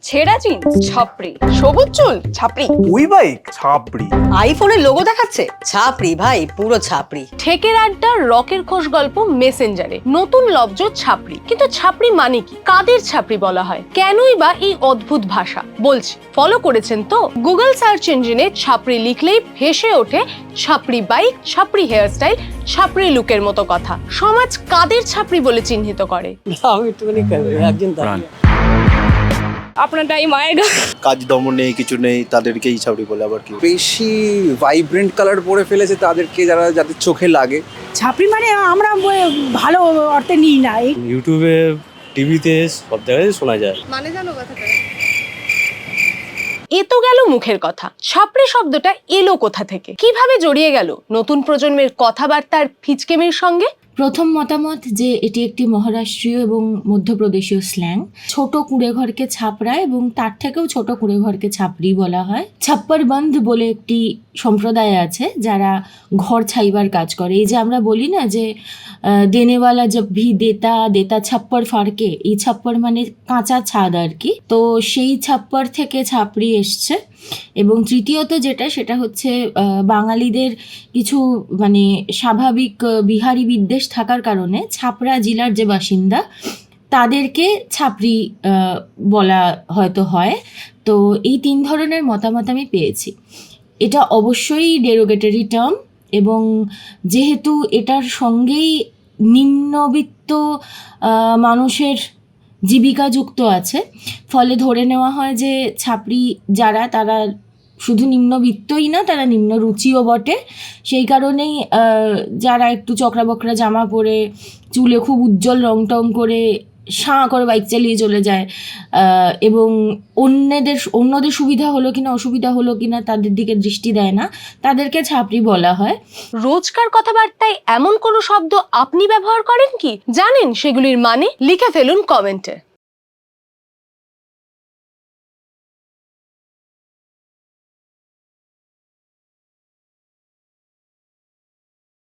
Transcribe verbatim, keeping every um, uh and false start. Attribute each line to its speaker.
Speaker 1: ছেঁড়া জিন্স ছাপড়ি, সবুজ চুল ছাপড়ি,
Speaker 2: ওই বাইক ছাপড়ি,
Speaker 3: আইফোনের লোগো দেখাচ্ছে ছাপড়ি ভাই, পুরো ছাপড়ি।
Speaker 1: ঠেকের আড্ডা রকের খোশ গল্প মেসেঞ্জারে নতুন লব্জ ছাপড়ি। কিন্তু ছাপড়ি মানে কি, কাদের ছাপড়ি বলা হয়, কেনই বা এই অদ্ভুত ভাষা? বলছি, ফলো করেছেন তো? গুগল সার্চ ইঞ্জিনে ছাপড়ি লিখলেই ভেসে ওঠে ছাপড়ি বাইক, ছাপড়ি হেয়ারস্টাইল, ছাপড়ি লুকের মতো কথা। সমাজ কাদের ছাপড়ি বলে চিহ্নিত করে?
Speaker 4: আমি একটুখানি একজন দাঁড়িয়ে
Speaker 1: আপনারটাই মায়ের গা।
Speaker 5: কাজ দমন নেই, কিছু নেই, তাদেরকেই ছাপড়ি বলে। আবার কি
Speaker 2: বেশি ভাইব্রেন্ট কালার পরে ফেলেছে তাদেরকে, যারা যাদের চোখে লাগে।
Speaker 6: ছাপড়ি মানে আমরা ভালো অর্থে নিই না।
Speaker 4: ইউটিউবে, টিভিতে সব জায়গায় শোনা যায়।
Speaker 1: মানে জানো কথাটা? এ তো গেল মুখের কথা। ছাপড়ি শব্দটা এলো কোথা থেকে, কিভাবে জড়িয়ে গেল নতুন প্রজন্মের কথাবার্তার ফিচকেমির সঙ্গে?
Speaker 7: প্রথম মতামত যে এটি একটি মহারাষ্ট্রীয় এবং মধ্যপ্রদেশীয় স্ল্যাং। ছোট কুঁড়ে ঘরকে ছাপড়া এবং তার থেকেও ছোট কুঁড়ে ঘরকে ছাপড়ি বলা হয়। ছাপ্পর বন্ধ বলে একটি সম্প্রদায় আছে যারা ঘর ছাইবার কাজ করে। এই যে আমরা বলি না যে দেনেওয়ালা জব ভি দেতা দেতা ছাপ্পর ফাড়কে, এই ছাপ্পর মানে কাঁচা ছাদ আর কি। তো সেই ছাপ্পর থেকে ছাপড়ি এসছে। এবং তৃতীয়ত যেটা, সেটা হচ্ছে বাঙালিদের কিছু মানে স্বাভাবিক বিহারি বিদ্বেষ থাকার কারণে ছাপড়া জেলার যে বাসিন্দা তাদেরকে ছাপড়ি বলা হয়তো হয়। তো এই তিন ধরনের মতামত আমি পেয়েছি। এটা অবশ্যই ডেরোগেটরি টার্ম, এবং যেহেতু এটার সঙ্গেই নিম্নবিত্ত মানুষের জীবিকা যুক্ত আছে, ফলে ধরে নেওয়া হয় যে ছাপড়ি যারা, তারা শুধু নিম্নবিত্তই না, তারা নিম্ন রুচিও বটে। সেই কারণেই যারা একটু চকরা বকরা জামা পরে, চুলে খুব উজ্জ্বল রং টং করে সাঁ করে বাইক চালিয়ে চলে যায় এবং অন্যদের অন্যদের সুবিধা হলো কিনা অসুবিধা হলো কিনা তাদের দিকে দৃষ্টি দেয় না, তাদেরকে ছাপড়ি বলা হয়।
Speaker 1: রোজকার কথাবার্তায় এমন কোনো শব্দ আপনি ব্যবহার করেন কি? জানেন সেগুলির মানে? লিখে ফেলুন কমেন্টে।